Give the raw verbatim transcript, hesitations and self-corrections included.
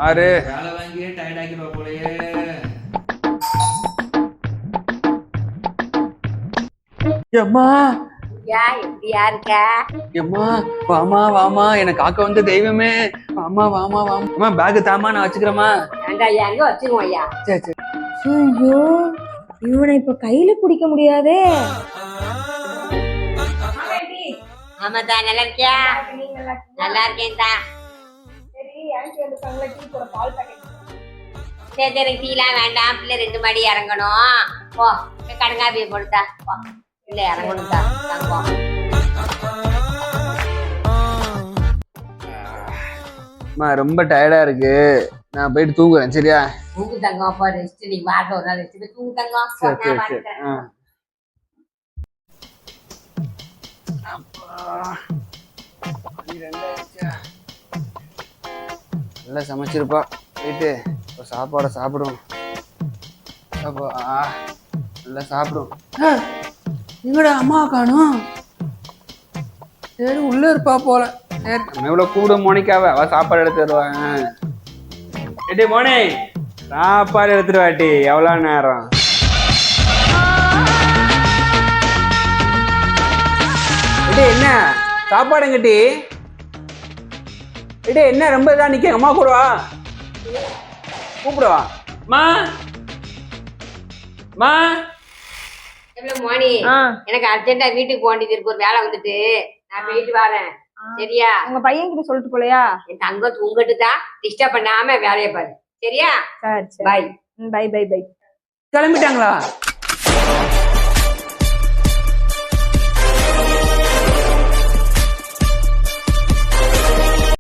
ஆறு வேலை வாங்கியே டயர்ட் ஆக்கிடுவா போலயே. எம்மா யா எப்படியா இருக்க? எம்மா வாமா வாமா எனக்கு காக்க வந்த தெய்வமே. வாமா வாமா வாமா அம்மா பேக் தாமா நான் வச்சுக்கிறேம்மா. ஏண்டா ஐயா எங்க வச்சுக்குவோம் ஐயா. சரி சரி. ஐயோ இவனை இப்ப கையில பிடிக்க முடியாதே. ஆமாதா நல்லா இருக்கியா? நல்லா இருக்கேன்டா. சரி சரி டீலாம் வேண்டாம், பிள்ளை ரெண்டு மாடி இறங்கணும். போ கடங்காப்பியை போடுதா போ, பிள்ளை இறங்கணும் தான் தங்கம். அம்மா ரொம்ப டயர்டா இருக்கு, நான் போயிட்டு தூங்குறேன் சரியா? தூங்கு தங்கம், அப்போ ரெஸ்ட். நீ வாரத்தை ஒரு நாள் ரெஸ்ட் தூங்கு தங்கம். சரி சரி சரி. நல்லா சமைச்சிருப்பா, போயிட்டு இப்போ சாப்பாடை சாப்பிடுவோம். நல்லா சாப்பிடுவோம். எங்கடா அம்மா காணும்? சரி உள்ள இருப்பா போல. சரி நம்ம எவ்வளவு கூட மோனிக்காவ, அவ சாப்பாடு எடுத்து வருவாங்க. ஏடி மோனி சாப்பாடு எடுத்துட்டு வாட்டி. எவ்வளவு நேரம்? ஏடி என்ன சாப்பாடுங்கட்டி? ஏடி என்ன ரொம்ப இதா நிக்க? அம்மா கூட வா, கூப்பிடுவா. மா மா எவ்வளவு மோனி, எனக்கு அர்ஜென்டா வீட்டுக்கு போக வேண்டியது இருக்கு, ஒரு வேலை வந்துட்டு நான் போயிட்டு வரேன் சரியா? உங்க பையன் கிட்ட சொல்லிட்டு போலையா? என் தங்கம் தூங்கிட்டு தான், டிஸ்டர்ப் பண்ணாம வேலையை பாரு சரியா? சரி சரி பாய். Bye bye bye. கிளம்பிட்டாங்களா?